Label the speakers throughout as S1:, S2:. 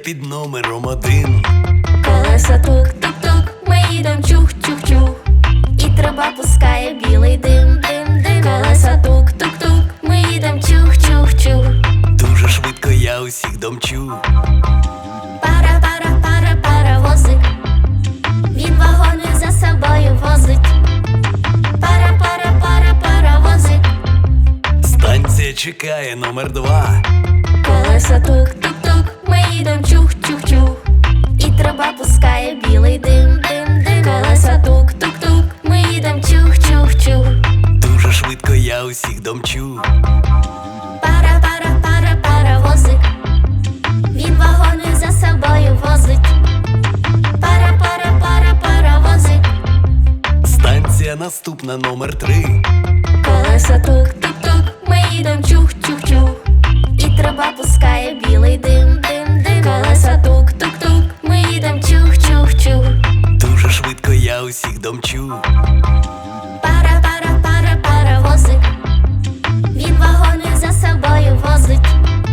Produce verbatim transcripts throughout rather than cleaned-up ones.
S1: під номером один.
S2: Колеса тук-тук-тук, ми їдем чух-чух-чух, і труба пускає білий дим, дим, дим. Колеса тук-тук-тук, ми їдем чух-чух-чух.
S1: Дуже швидко я усіх домчу.
S2: Пара-пара-пара-паровозик, він вагони за собою возить. Пара-пара-пара-паровозик,
S1: Станція чекає номер два.
S2: колеса тук-тук-тук, ми їдем чух-чух-чух, і труба пускає білий дим, дим, дим. Колеса тук-тук-тук, ми їдем чух-чух-чух.
S1: Дуже швидко я усіх домчу.
S2: Пара-пара-пара-паровозик, він вагони за собою возить. Пара-пара-пара-паровозик,
S1: Станція наступна номер три.
S2: колеса тук-тук-тук, ми їдем чух-чух-чух, і труба пускає білий дим, дим, дим. Колеса тук-тук-тук, ми їдем чух-чух-чух.
S1: Дуже швидко я усіх домчу.
S2: Пара-пара-пара-паровозик, він вагони за собою возить.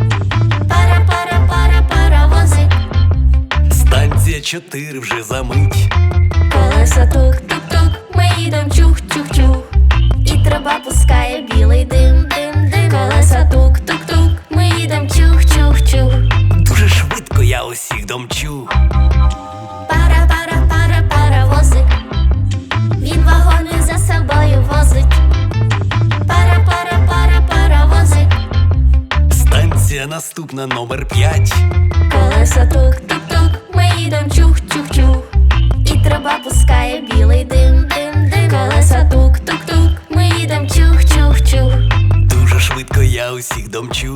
S2: Пара-пара-пара-паровозик,
S1: Станція чотири вже за мить.
S2: колеса тук-тук-тук, ми їдем чух-чух-чух, і труба пускає білий дим, дим, дим. Колеса тук-тук-тук, ми їдем чух-чух-чух.
S1: Дуже швидко я усіх домчу.
S2: Пара-пара-пара-паровозик, він вагони за собою возить. Пара-пара-пара-паровозик,
S1: Станція наступна номер п'ять.
S2: колеса тук-тук-тук, ми їдем чух-чух-чух, і труба пускає білий дим, дим, дим. Колеса тук-тук-тук, ми їдем чух-чух-чух.
S1: Дуже швидко я усіх домчу.